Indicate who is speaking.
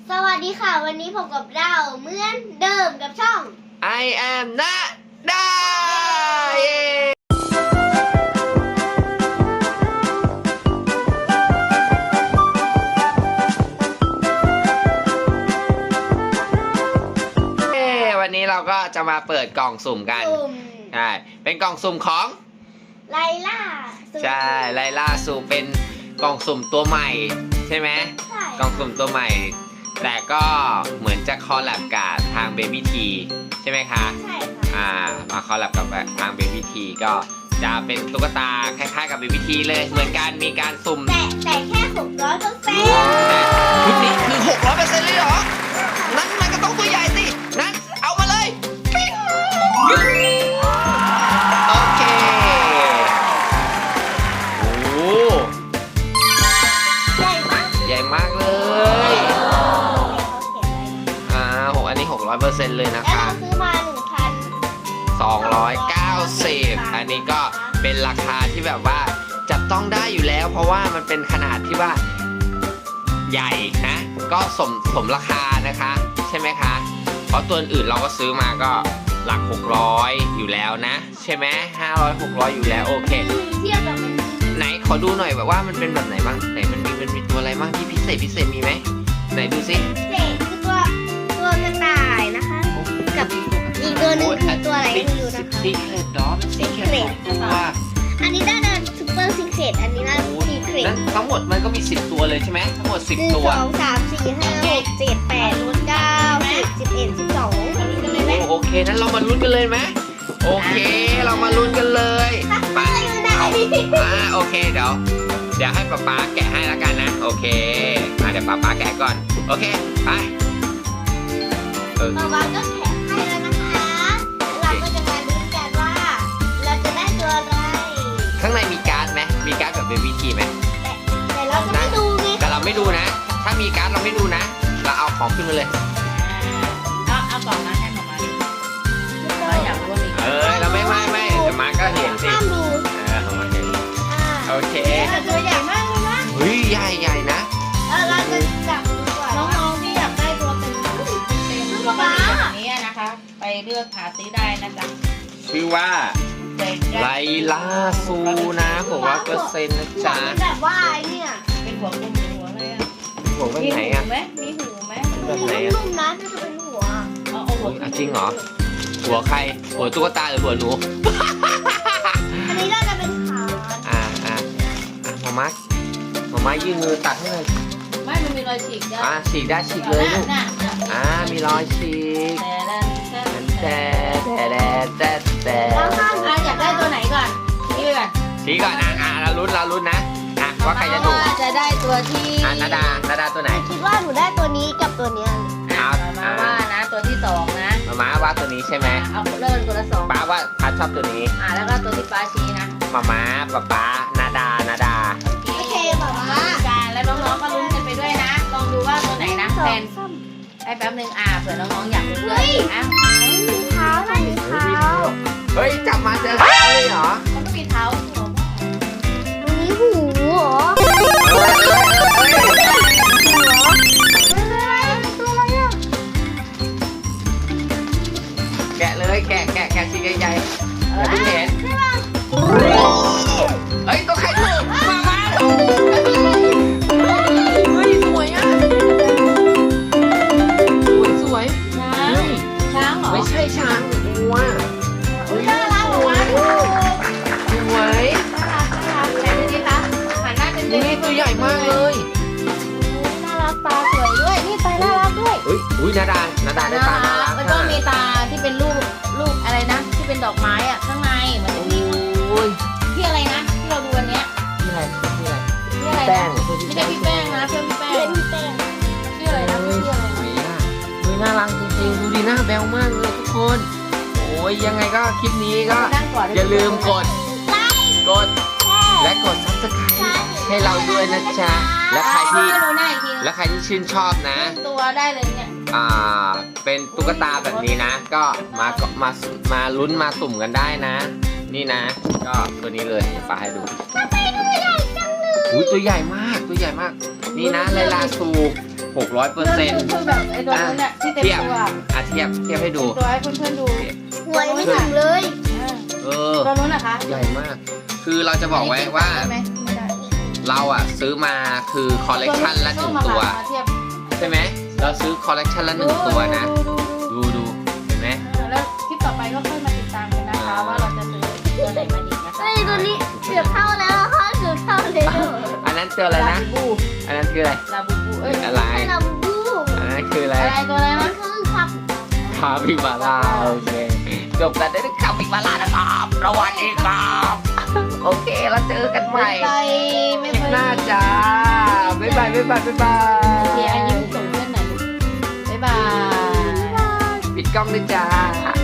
Speaker 1: สวัสดีค่ะวันนี้พบกับเราเหมือนเดิมกับช่อง
Speaker 2: I am นาดาเย้วันนี้เราก็จะมาเปิดกล่องสุ่มกัน
Speaker 1: สุ่ม
Speaker 2: ใช่เป็นกล่องสุ่มของ
Speaker 1: ไลล่า
Speaker 2: ใช่ไลล่าสุ่มเป็นกล่องสุ่มตัวใหม่ใช่ไหม
Speaker 1: ใช่
Speaker 2: กล่องสุ่มตัวใหม่ แต่ก็เหมือนจะคอลแลบกับทาง Baby T ใช่ไหมคะ
Speaker 1: ใช่ค่ะ
Speaker 2: มาคอลแลบกับทาง Baby T ก็จะเป็นตุ๊กตาคล้ายๆกับ Baby T เลยเหมือนกันมีการสุ่ม
Speaker 1: แต่แค่600%
Speaker 2: ชุดนี้คือ 600% เลยเหรอ นั่นมันก็ต้องตัวใหญ่สิ นั่นเอามาเลยปิ๊งโอเค โอ้
Speaker 1: ใหญ่มาก
Speaker 2: ใหญ่มากเลย
Speaker 1: เขาเขียนไว้นะ
Speaker 2: อันนี้ 600% เลยนะ
Speaker 1: แล้ว
Speaker 2: คะ
Speaker 1: เราซื้อมา
Speaker 2: 290 อันนี้ก็เป็นราคาที่แบบว่าจับต้องได้อยู่แล้ว เพราะว่ามันเป็นขนาดที่ว่าใหญ่นะ ก็สมราคานะคะ ใช่ไหมคะ เพราะตัวอื่นเราก็ซื้อมาก็หลัก600อยู่แล้วนะ ใช่ไหม500 600อยู่แล้วโอเค
Speaker 1: เทียบกับมัน
Speaker 2: ไหนขอดูหน่อยแบบว่ามันเป็นแบบไหนบ้างไหนมันมีตัวอะไรบ้างที่พิเศษมีไหมไหนดูสิ
Speaker 1: เด็กคือตัวกระต่ายนะคะ กับอีกตัวหนึงคือตัวอะไรไม่รู้นะคะ
Speaker 2: ซีเครตดอสซีเครตว่า
Speaker 1: อันนี้ได้ซุปเปอร์ซีเครตอันนี้ได้ซีเครต
Speaker 2: นั้นทั้งหมดมันก็มี10ตัวเลยใช่ไหมทั้งหมด
Speaker 1: 1
Speaker 2: 10 ตัว
Speaker 1: 2 3 4 5 6 7 8 9 10 11 12
Speaker 2: โอเคนั้นเรามาลุ้นกันเลยไหมโอเคเรามาลุ้นกันเลยไปโอเคเดี๋ยวให้ป๊าแกะให้แล้วกันนะโอเคเดี๋ยวป๊าแกะก่อนโอเคไป
Speaker 1: ป๊าป๊าก็แถมให้แล้วนะคะ เราก็จะมาลุ้นกันว่าเราจะได้ตัวอะไร
Speaker 2: ข้างในมีการ์ดไหมมีการ์ดแบบเบบี้ทีไหม
Speaker 1: แต่เราจะไม่ดูไง
Speaker 2: แต่เราไม่ดูนะ ถ้ามีการ์ดเราไม่ดูนะ เราเอาของขึ้นมาเลย
Speaker 3: เอากล่องมาให้หมอมาดูเราอยากรู้ว่ามี
Speaker 2: เราไม่แต่มาก็เห็นสิ
Speaker 1: ห้ามดู
Speaker 2: เอามาเห็นโอเค
Speaker 1: แต่ตัวใหญ่มากเลยนะ
Speaker 2: เฮ้ยใหญ่นะ
Speaker 1: เราจะจับดูก่อน
Speaker 3: น้องๆที่อยากได้ตัวเป็นตัวมันเป็นอย่างนี้นะคะ ไปเลือกหาซื้อได้นะจ๊ะ
Speaker 2: ชื่อว่าไลลาซูนะ600%นะจ๊ะ
Speaker 1: มันแบบว่าไอ้เนี่ย
Speaker 3: เป็นหัวกลมหรือหัวอะไรอ่ะ
Speaker 2: หัวเป็น
Speaker 3: มี
Speaker 2: ไหน
Speaker 3: หู
Speaker 2: อ่ะ
Speaker 3: ไหมมีหูไหม
Speaker 2: แบบไหน
Speaker 1: นุ่มๆนะน่าจะเป็นหัว
Speaker 3: เอาหัว
Speaker 2: จริงเหรอ หัวใคร หัวตุ๊กตาหรือหัวหนู
Speaker 1: อันนี้น่าจะเป็นขา
Speaker 2: มามายื่นมือตัดให้เลย
Speaker 3: ไม่มันมีรอยฉีกจ้ะ
Speaker 2: ฉีกได้ฉีกเลยลูก
Speaker 3: น่ะ
Speaker 2: มีรอยฉีก
Speaker 3: แต่
Speaker 2: แต่
Speaker 1: แล้วข้าง
Speaker 3: อยากได้ตัวไหนก่อนนี่ไปก่อน
Speaker 2: ชี้ก่อนเราลุ้นนะว่าใครจะถูก
Speaker 3: จะได้ตัวที่
Speaker 2: นาดาตัวไหน
Speaker 1: คิดว่าหนูได้ตัวนี้กับตัวเนี้ย
Speaker 3: มาว่านะตัวที่2นะ
Speaker 2: มาว่าตัวนี้ใช่ไหม
Speaker 3: เอาเริ่มตัวละ2
Speaker 2: ป้าว่าพัดชอบตัวนี้
Speaker 3: แล้วก็ตัวที่ป้าชี้นะ
Speaker 2: ป๊านาดา
Speaker 1: โอเคแบบว่า
Speaker 3: การแล้วน้องๆก็ลุ้นกันไปด้วยนะ ลองดูว่าตัวไหนนะแฟนให้แป๊บนึงเผื่อน้องๆอยากลุ้นด้วยอ่ะ
Speaker 1: มีเท้าได้มีเท้า
Speaker 2: เฮ้ยจับมาเจอเลยเหรอ
Speaker 3: มันก็มีเท้าหัว
Speaker 1: ตรงนี้หูเหรอตัวอะไรอ่ะ
Speaker 2: แกะเลยแกะชิ้นใหญ่ๆอย่าเพิ่งเห็น
Speaker 1: ใช่ป่ะ
Speaker 2: เฮ้ยตัวใครถูกมาเฮ้ยสวยอ่ะสวย
Speaker 3: ช้างเหรอ
Speaker 2: ไม่ใช่ช้างวัว
Speaker 1: น่ารักมาก
Speaker 2: สวย
Speaker 3: ไหนดูดิคะหันหน้าเป็น
Speaker 2: นี่ตัวใหญ่มากเลย
Speaker 1: น่ารักตาสวยด้วย นี่ตาน่ารักด้วย
Speaker 2: อุ้ยนาดาได้ตาน่ารัก
Speaker 3: มันต้องมีตาที่เป็นรูปอะไรนะ ที่เป็นดอกไม้ข้างในเหมือนที่
Speaker 2: โอ้ย
Speaker 3: ที่อะไรนะ ที่เราดูวันเนี้ย
Speaker 2: นี่อะไร
Speaker 3: ที่อะไร
Speaker 2: แป้ง
Speaker 3: ไม่ใช่พี่แป้งนะเพื่อนพี่แป้
Speaker 1: เล่
Speaker 3: ง
Speaker 1: นเต้น
Speaker 3: ชื่ออะไรนะชื่ออะไรนะ
Speaker 2: อุ้ยน่ารักจริงๆดูดีหน้าแบวมากเลยทุกคน โอ้ยยังไงก็คลิปนี้ก็
Speaker 3: นั่งก่อน
Speaker 2: อย่าลืมกดและกด subscribe ให้เราด้วยนะจ๊ะและใครที่ชื่นชอบนะ
Speaker 3: ตัวได้เลยเนี่ย
Speaker 2: เป็นตุ๊กตาแบบนี้นะ ก็มาลุ้นมาสุ่มกันได้นะ นี่นะ ก็ตัวนี้เลยฝากให้ดูตัวใหญ่มากนี่นะไลลาซู 600%
Speaker 3: คือแบบไอ้ตัวนู้นเนี่ยที่เต็มตัว
Speaker 2: เทียบให้ดู
Speaker 3: ตัวให้เพื่อนๆดู
Speaker 1: หัวยังไม่ถึงเลย
Speaker 3: ตัวนู้นนะคะ
Speaker 2: ใหญ่มาก คือเราจะบอกไว้ว่า
Speaker 3: ได้ไหมไม่ได้
Speaker 2: เราอ่ะซื้อมาคือคอลเลกชันละ1 ตัว
Speaker 3: มาเทียบ
Speaker 2: ใช่ไหม เราซื้อคอลเลกชันละ1 ตัวนะ ดูเห็นไหม
Speaker 3: แล้วคลิปต่อไปก็ค่อยมาติดตามกันนะคะว่าเราจะซื้อตัวไหนมาอีกนะคะ
Speaker 1: เฮ้ยตัวนี้เกือบเท่าแล้วค่ะเกือบเท่าเลย
Speaker 2: อันนั้นตัวอะไรนะ
Speaker 3: ลาบู
Speaker 2: อันนั้นคืออะไร
Speaker 3: ลาบูบูเอ้ย
Speaker 2: อะไร
Speaker 1: ให้เราบู
Speaker 2: อันนั้นคืออะไร
Speaker 3: อะไรตัวอะไร
Speaker 1: มัน
Speaker 3: นะ
Speaker 1: คือครับ
Speaker 2: คาปิบาร่าโอเคจบกันด้วยคาปิบาร่านะครับสวัสดีครับโอเคแล้วเจอกันใหม่
Speaker 3: ไม่
Speaker 2: คลิป
Speaker 3: เคย
Speaker 2: หน้าจ้าบ๊ายบาย
Speaker 3: โอเคอันนี้ส่งเพื่อนหน่อยลูกบ๊ายบาย
Speaker 2: ปิดกล้องด้วยจ้า